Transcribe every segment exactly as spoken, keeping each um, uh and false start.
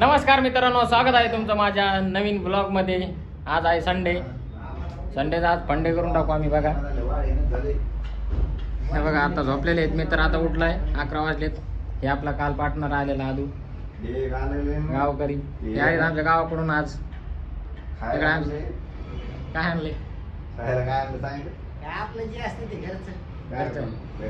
नमस्कार मित्रांनो, स्वागत आहे तुमचं माझ्या नवीन ब्लॉग मध्ये. आज आहे संडे. संडेचा आज फंडे करून टाकू आम्ही. बघा हे बघा आता झोपलेले आहेत मित्र. आता उठलाय, अकरा वाजलेत. हे आपला काल पार्टनर आलेला आदू गावकरी. हे आहेत आमच्या गावाकडून. आज काय आणले? आपलं जे असते ते घरचं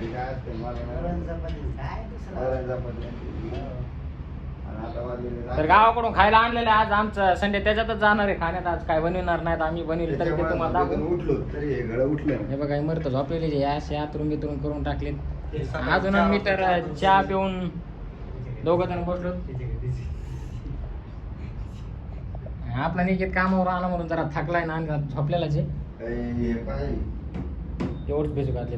तर गावाकडून खायला आणलेले आज. आमचं संडे त्याच्यातच जाणार आहे खाण्यात. आज काय बनवणार नाहीत आम्ही. बनवले तरी ते तुम्हाला दाखवू. हे बघा मरत झोपलेले जे असे आतरून बितरून करून टाकलेत. अजून मी तर चहा पिऊन दोघं जण बसलो. आपला निकेत कामावर आला म्हणून जरा थकलाय ना, झोपलेला जे एवढंच भिजू घातले.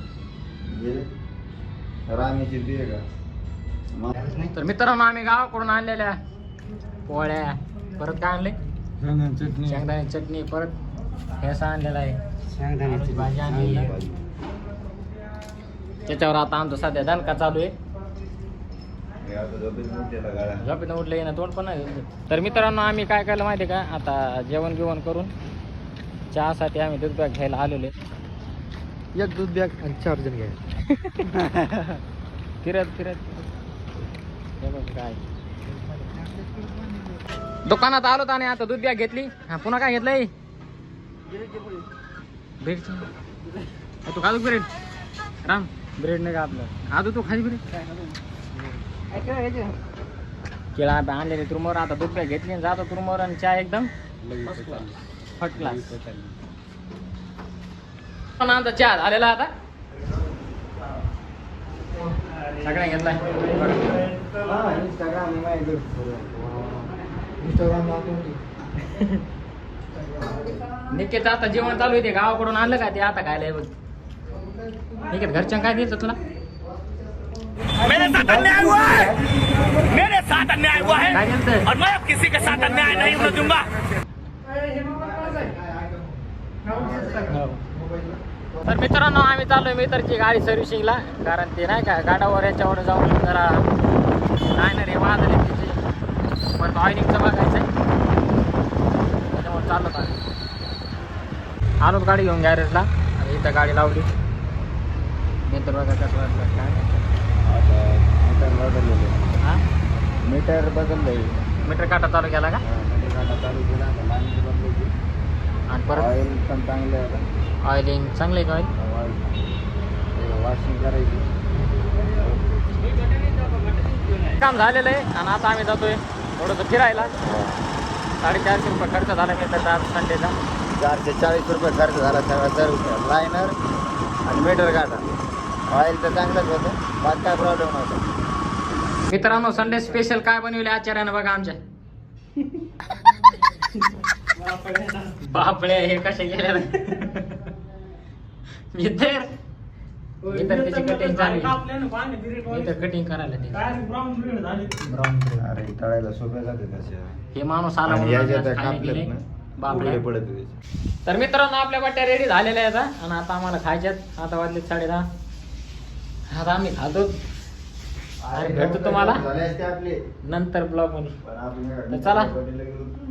तर मित्रांनो, आम्ही गावाकडून आणलेल्या पोळ्या, परत काय आणले? शेंगदाणे चटणी, परत ठेसा आणलेला आहे, शेंगदाण्याची भाजी आणलेली आहे. त्याच्यावर आता आमचं सध्या दणका चालू आहे. झोपेत उठले ना तोंड पण नाही. तर मित्रांनो, आम्ही काय केलं माहिती का, आता जेवण गिवण करून चहासाठी आम्ही दूध बॅग घ्यायला आलेले. एक दूध बॅग आणि चार जण घ्या. फिरत फिरत काय दुकानात आलो आणि आता दूध बॅग घेतली. हा पुन्हा काय घेतलंय? ब्रेड. तू खाजू ब्रेड? राम ब्रेड नाही का आपलं? आजू तू खाली ब्रेड? केळा आणलेले तुरमोर. आता दूध बॅग घेतली, जातो तुरमोर आणि चहा एकदम फर्स्ट क्लास. आमचा चहा झालेला आता सगळ्या घेतलाय. निकेत आता जेवण चालू आहे. गावाकडून आणलं का ते आता खायला. बघ निकेत घरच्या काय द्यायचं तुला? मेरे साथ अन्याय हुआ है, मेरे साथ अन्याय हुआ है और मैं अब किसी के साथ अन्याय नहीं होने दूंगा. तर मित्रांनो, आम्ही चाललोय मित्रची गाडी सर्व्हिसिंगला. कारण ते नाही का गाडावर याच्यावर जाऊन जरा नाही ना रे वाजले तिचे, पण ऑइलिंगचं बघायचं आहे. त्याच्यामुळे चाललो आम्ही. आलोच गाडी घेऊन गॅरेजला आणि इथं गाडी लावली. मित्र बघा कसं वाटलं काय. मीटर बदललेले. हां मीटर बदललंय. मीटर काटा चालू केला का? मीटर काटा चालू केला. लाईन बदलली आणि परत ऑइल पण चांगलं आहे. ऑइलिंग चांगलं आहे का? ऑइल वॉशिंग करायची. काम झालेलं आहे आणि आता आम्ही जातोय थोडंसं फिरायला. साडेचारशे रुपये खर्च झाला मी तर आज संडेचा. चारशे चाळीस रुपये खर्च झाला सगळा सर्विस, लायनर आणि मीटर काटा. ऑइल तर चांगलंच होतं, बाकी काय प्रॉब्लेम नव्हता. मित्रांनो, संडे स्पेशल काय बनवले आचार्यानं बघा आमच्या. बापळे हे कसे गेले मी तर मी तर त्याची कटिंग झाली. मी तर कटिंग करायला ते ब्राऊन ब्रेड. अरे तळायला सोपे जाते तसे. हे माणूस आला आणि म्हणून याच्यात आज खायला कापलेत गेले. ना, बापरे उघडे पडत त्याचे. तर मित्रांनो, आपल्या वाट्या रेडी झालेल्या आहेत आणि आता आम्हाला खायच्यात. आता वाजले साडे दहा. आता आम्ही खातो आणि भेटतो तुम्हाला झाले असते आपले नंतर ब्लॉग मध्ये. पण आपण तर चला.